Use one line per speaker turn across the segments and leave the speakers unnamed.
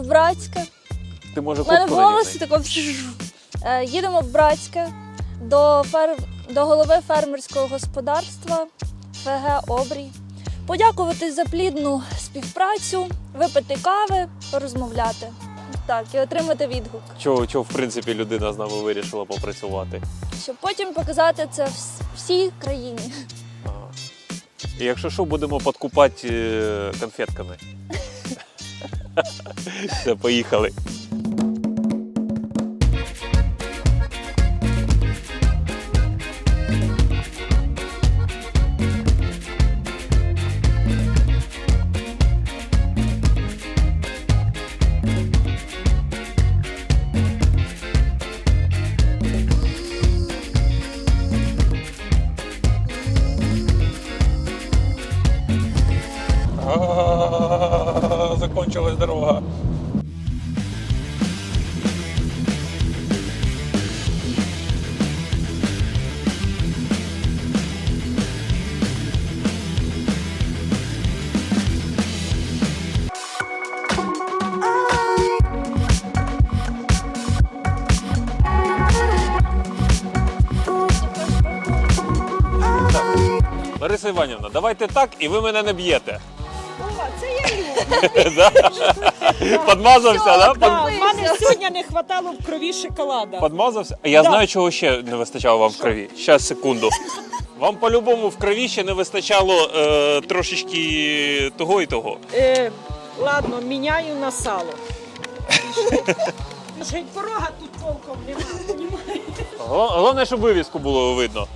в Братське.
Ти, може,
У мене в
куртку
голосі
надягни?
тако. Їдемо в Братське до голови фермерського господарства ФГ «Обрій». Подякувати за плідну співпрацю, випити кави, порозмовляти. Так, і отримати відгук.
Чого, в принципі, людина з нами вирішила попрацювати?
Щоб потім показати це всій країні.
Ага. І якщо що, будемо подкупати конфетками. Все, поїхали. Закончилась дорога. Лариса Іванівна, давайте так, і ви мене не б'єте.
О, це я люблю.
Да? Подмазався, да?
Да, в мене сьогодні не вистачало в крові шоколада.
Подмазався? Я
Да.
знаю, чого ще не вистачало вам в крові. Щас, секунду. Вам по-любому в крові ще не вистачало трошечки того і того.
Ладно, міняю на сало. Вже й порога тут толком немає, понімаєш?
Головне, щоб вивіску було видно.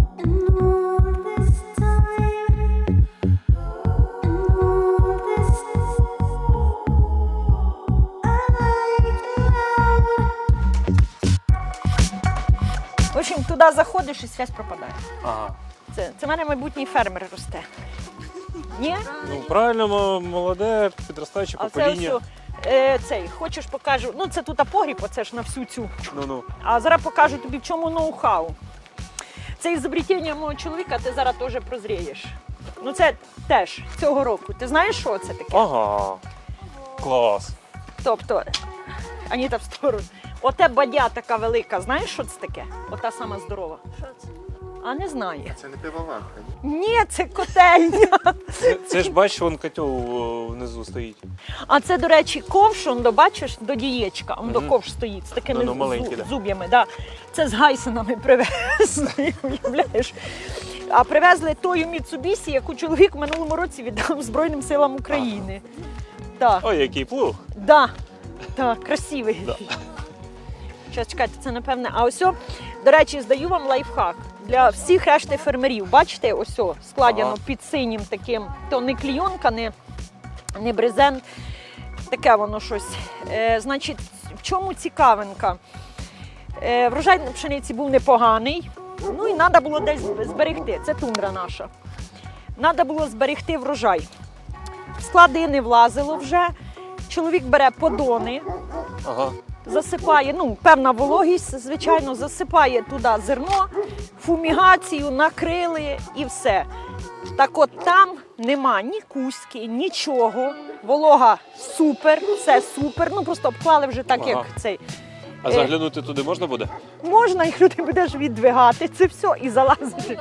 В общем, туди заходиш і зв'язь пропадає.
Ага.
Це в мене майбутній фермер росте. Ні?
Ну, правильно, молоде, підростаюче
А це
покоління.
ось, цей, хочеш покажу, ну це тут погріб, оце ж на всю цю.
Ну-ну.
А зараз покажу тобі, в чому ноу-хау. Це ізобретіння мого чоловіка, ти зараз теж прозрієш. Ну це теж цього року. Ти знаєш, що це таке?
Ага. Клас.
Тобто, Аніта в сторону. Оте бадя така велика, знаєш, що це таке? Ота сама здорова.
Що це?
А не знає.
Це не пивоварка, ні?
Ні, це котельня.
Це ж бачиш, вон котел внизу стоїть.
А це, до речі, ковш, он, з до дієчка, он до ковш стоїть з такими
Ну, маленький, да.
зуб'ями. Да. Це з гайсенами привезли, уявляєш. А привезли тою Міцубісі, яку чоловік в минулому році віддав Збройним силам України. Так,
Ой, який плуг.
да. Так, красивий.
Да.
Щас, чекайте, це напевне. А ось, до речі, здаю вам лайфхак для всіх решти фермерів. Бачите, ось складено
Ага.
під синім таким, то не клійонка, не брезент, таке воно щось. Значить, в чому цікавинка? Врожай на пшениці був непоганий, ну і треба було десь зберегти. Це тундра наша. Треба було зберегти врожай. В склади не влазило вже. Чоловік бере подони,
Ага.
засипає, ну, певна вологість, звичайно, засипає туди зерно, фумігацію, накрили і все. Так от там нема ні куськи, нічого, волога супер, все супер, ну просто обклали вже так,
Ага.
як цей.
А заглянути туди можна буде?
Можна, якщо ти будеш віддвигати, це все і залазити.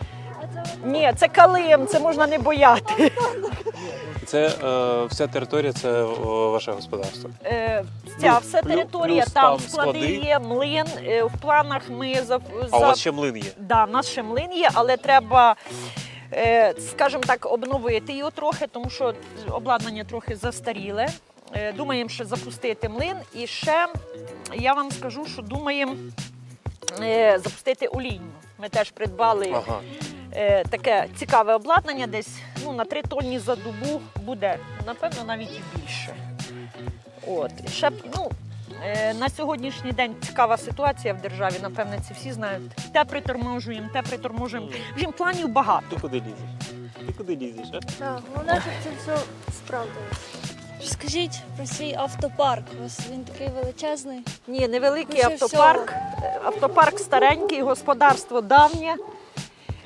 Ні, це калим, це можна не бояти.
Це вся територія, це ваше господарство.
Ця вся територія,
плюс
там
там
склади
склади.
є, млин, в планах ми
А у вас ще млин є?
Да, в нас ще млин є, але треба, скажімо так, обновити його трохи, тому що обладнання трохи застаріле. Думаємо ще запустити млин. І ще я вам скажу, що думаємо запустити олійню. Ми теж придбали
Ага.
таке цікаве обладнання, десь на 3 тонни за добу буде, напевно, навіть і більше. От. І ще, на сьогоднішній день цікава ситуація в державі, напевне, це всі знають. Те приторможуємо. В общем, планів багато.
Ти куди лізеш? Ти куди лізеш, а?
Так, головне, щоб це все справдилось. Скажіть про свій автопарк. У вас він такий величезний.
Ні, невеликий
Більше
автопарк. Автопарк старенький, господарство давнє.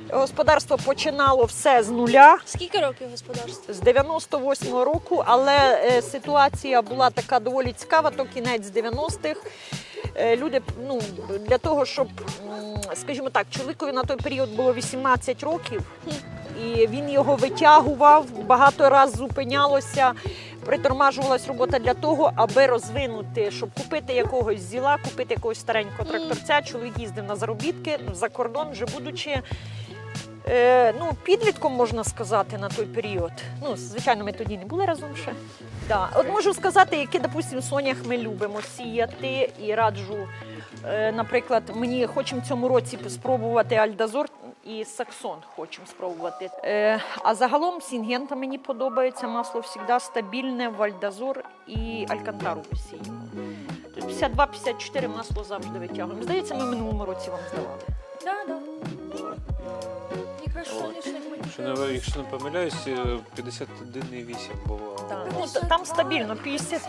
Господарство починало все з нуля.
Скільки років господарству?
З 98-го року, але ситуація була така доволі цікава, то кінець 90-х. Люди, для того, щоб, скажімо так, чоловікові на той період було 18 років, і він його витягував, багато разів зупинялося, притормажувалась робота для того, аби розвинути, щоб купити якогось зіла, купити якогось старенького тракторця. Чоловік їздив на заробітки за кордон, вже будучи підлітком, можна сказати, на той період. Звичайно, ми тоді не були разом ще. Да. От можу сказати, які, допустимо, сонях ми любимо сіяти і раджу. Наприклад, мені хочемо в цьому році спробувати альдазор і саксон хочемо спробувати. А загалом сінгента мені подобається, масло завжди стабільне, вальдазор і алькантару посіємо. 52-54 масло завжди витягуємо. Здається, ми в минулому році вам здавали.
Так. Якраз соняшник мені.
Якщо не помиляюсь, 51,8 було.
Так. Там стабільно 52,8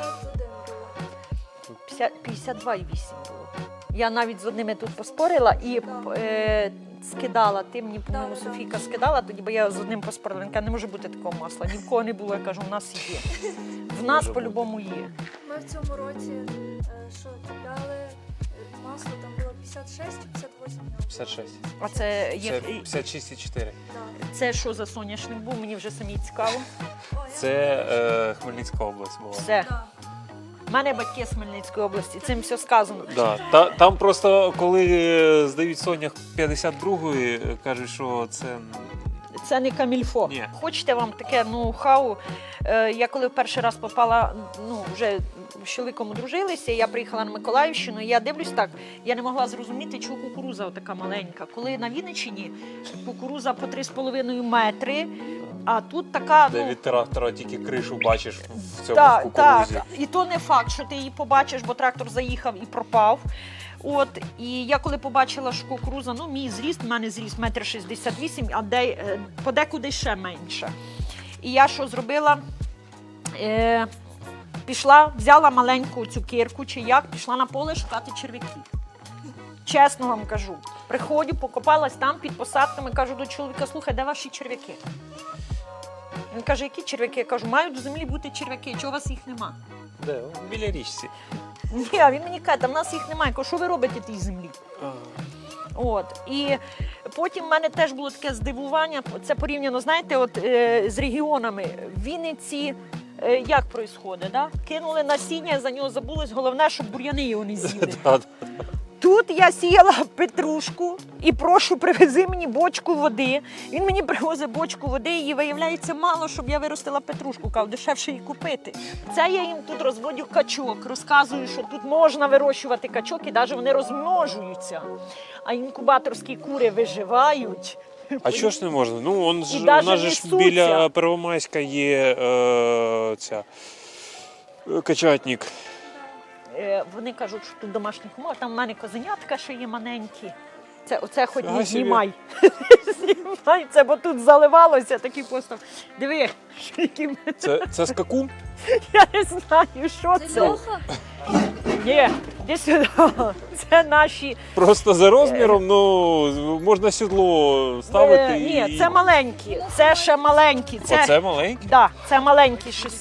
було. Я навіть з одними тут поспорила і скидала. Ти мені, по-моєму, Софійка скидала, тоді, бо я з одним поспорила. Він каже, не може бути такого масла. Ні в кого не було. Я кажу, у нас є. В нас по-любому є.
Ми в цьому році купляли масло, там було 56 чи 58?
56.
А це є.
56,4.
Це що за соняшник був? Мені вже самі цікаво.
Це Хмельницька область була.
Все. У мене батьки з Хмельницької області, цим все сказано.
Да. Там просто, коли здають сонях 52-ї, кажуть, що
це не камільфо.
Ні.
Хочете вам таке ноу-хау? Я коли перший раз попала, вже з чоловіком одружилися, я приїхала на Миколаївщину, і я дивлюсь так, я не могла зрозуміти, чого кукуруза така маленька. Коли на Вінниччині кукуруза по 3,5 метри, а тут така,
де від трактора тільки кришу бачиш в цьому кукурузі.
Так, і то не факт, що ти її побачиш, бо трактор заїхав і пропав. І я коли побачила, що кукуруза, мій зріст, в мене зріст 1,68 м, а подекуди ще менше. І я що зробила? Пішла, взяла маленьку цю кирку, пішла на поле шукати черв'яків. Чесно вам кажу. Приходжу, покопалась там під посадками, кажу до чоловіка, слухай, де ваші черв'яки? Він каже, які черв'яки? Я кажу, мають до землі бути черв'яки, чого у вас їх нема?
Де? Біля річці.
Ні, а він мені каже, там в нас їх немає. Я кажу, що ви робите в тій землі? І потім в мене теж було таке здивування, це порівняно, знаєте, з регіонами. В Вінниці як відбувається, да? Кинули насіння, за нього забулось, головне, щоб бур'яни його не з'їли. Тут я сіяла петрушку і прошу, привези мені бочку води. Він мені привозить бочку води, і виявляється мало, щоб я виростила петрушку, кажу, дешевше її купити. Це я їм тут розводю качок, розказую, що тут можна вирощувати качок, і навіть вони розмножуються. А інкубаторські кури виживають.
А чого ж не можна? У нас ж
несуться.
біля Первомайська є качатник.
Вони кажуть, що тут домашніх умов, там в мене козенятка ще є маленькі. Оце хоч не
собі.
знімай. Знімай це, бо тут заливалося такий постав. Диви, які
Це скакун?
я не знаю, що
Це
це.
льоха?
Ні, іди сюди. Це наші.
Просто за розміром, можна сідло ставити.
Ні, це маленькі. Це ще маленькі.
Оце маленький?
Так, це маленькі щось.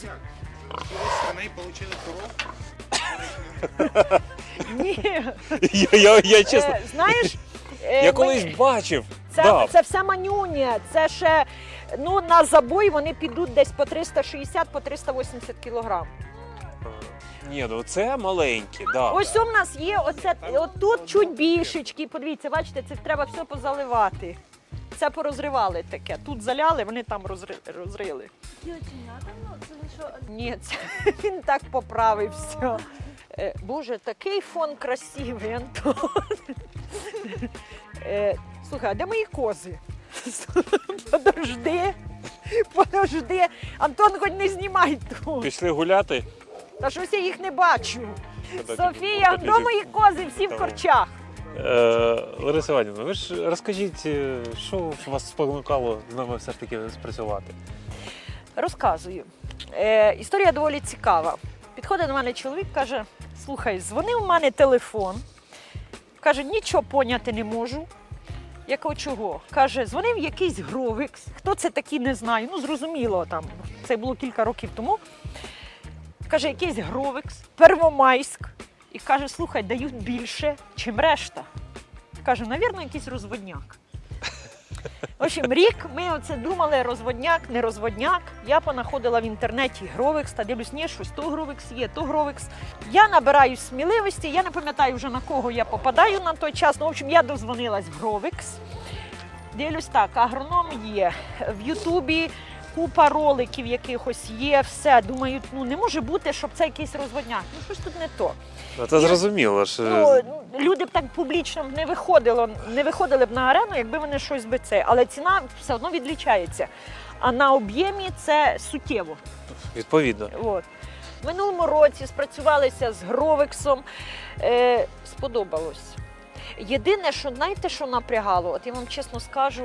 Ні.
Я чесно,
Знаєш,
я колись бачив.
Це все манюня, це ще, на забой вони підуть десь по 360, по 380 кілограм.
Ні, це маленькі, да.
Ось у нас є, отут чуть більшечки, подивіться, бачите, це треба все позаливати. Це порозривали таке, тут заляли, вони там розрили.
Це ви що?
Ні, він так поправився. Боже, такий фон красивий, Антон. Слухай, а де мої кози? Подожди. Антон, хоч не знімай тут.
Пішли гуляти?
Та щось я їх не бачу. Софія, де мої кози? Всі в корчах.
Лариса Іванівна, ви ж розкажіть, що вас спонукало з нами все ж таки спрацювати?
Розказую. Історія доволі цікава. Підходить до мене чоловік, каже, слухай, дзвонив у мене телефон. Каже, нічого поняти не можу. Я кажу, чого? Каже, дзвонив якийсь Гровикс. Хто це такий, не знаю. Ну, зрозуміло, там, це було кілька років тому. Каже, якийсь Гровикс, Первомайськ. І каже, слухай, дають більше, чим решта. Каже, навірно, якийсь розводняк. В общем, рік ми оце думали, розводняк, не розводняк. Я понаходила в інтернеті Гровикс, та дивлюсь, ні, щось то Гровикс є, то Гровикс. Я набираю сміливості, я не пам'ятаю вже на кого я попадаю на той час. Ну, в общем, я дозвонилась в Гровикс. Дивлюсь так, агроном є, в Ютубі купа роликів якихось є, все. Думаю, ну не може бути, щоб це якийсь розводняк. Ну щось тут не то.
Це зрозуміло. Що...
Ну, люди б так публічно не виходили б на арену, якби вони щось би це. Але ціна все одно відлічається. А на об'ємі це суттєво.
Відповідно.
От. В минулому році спрацювалися з Гровексом. Сподобалось. Єдине, що знаєте, що напрягало, от я вам чесно скажу,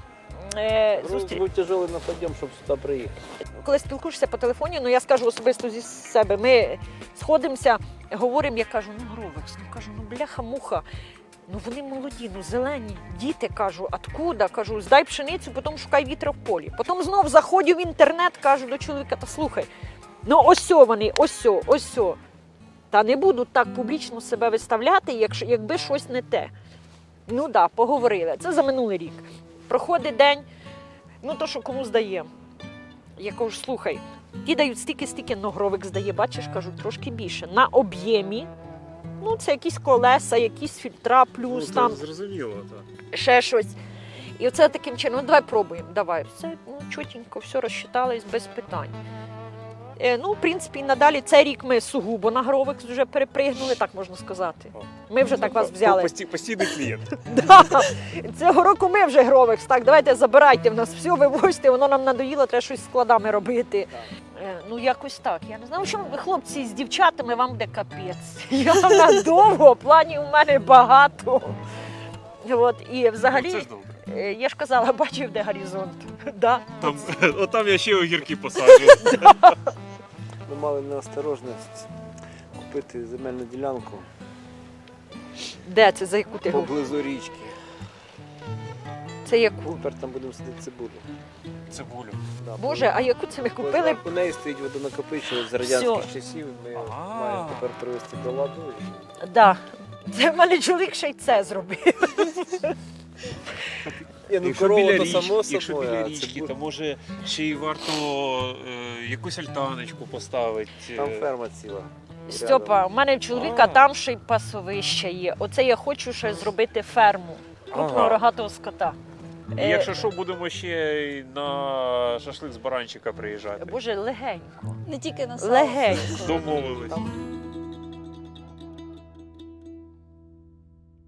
Був тяжелий на підйом, щоб сюди приїхати.
коли спілкуєшся по телефоні, ну я скажу особисто зі себе, ми сходимося, говоримо, я кажу, ну Гровекс, ну кажу, ну бляха-муха, ну вони молоді, ну зелені, діти, кажу, откуда, кажу, здай пшеницю, потім шукай вітра в полі. Потім знов заходжу в інтернет, кажу до чоловіка, та слухай, ну ось вони, ось. Та не буду так публічно себе виставляти, якби щось не те. Ну так, да, поговорили. Це за минулий рік. Проходить день, ну то, що кому здаємо. Я кажу, слухай, ті дають стільки, но Гровик здає, бачиш, кажу, трошки більше. На об'ємі, ну це якісь колеса, якісь фільтра, плюс там,
Зрозуміло, так.
ще щось. І оце таким чином, ну давай пробуємо, давай. Все, ну чотенько, все розчитались без питань. Ну, в принципі, і надалі цей рік ми сугубо на Гровикс вже перепригнули, так можна сказати. Ми вже так вас взяли.
Постійний клієнт.
Да. Цього року ми вже Гровикс. Так, давайте забирайте в нас все, вивозьте, воно нам надоїло, треба щось з складами робити. Ну, якось так. Я не знаю, в чому ви, хлопці, з дівчатами вам буде капець. Я надовго, планів у мене багато. От, і взагалі,
Це ж добре.
я ж казала, бачив, де горизонт. Да.
Там я ще огірки посаджу.
Ми мали неосторожність купити земельну ділянку
Де це, за яку ти говориш?
поблизу річки.
Це яку?
Тепер там будемо садити цибулю.
Цибулю.
Да,
Боже, а яку це ми купили?
У неї стоїть водонакопичувач з радянських
Всьо.
часів. Ми
А.
маємо тепер привести до ладу.
Да. Це в мене чоловік ще й це зробив.
Якщо біля річки,
а
то може ще й варто якусь альтаночку поставити.
Там ферма ціла.
Стьопа, у мене в чоловіка
А.
там ще й пасовище є. Оце я хочу ще зробити ферму крупного
Ага.
рогатого скота.
І якщо що, будемо ще й на шашлик з баранчика приїжджати.
Боже, легенько.
Не тільки на сало.
Легенько.
Домовились.
Там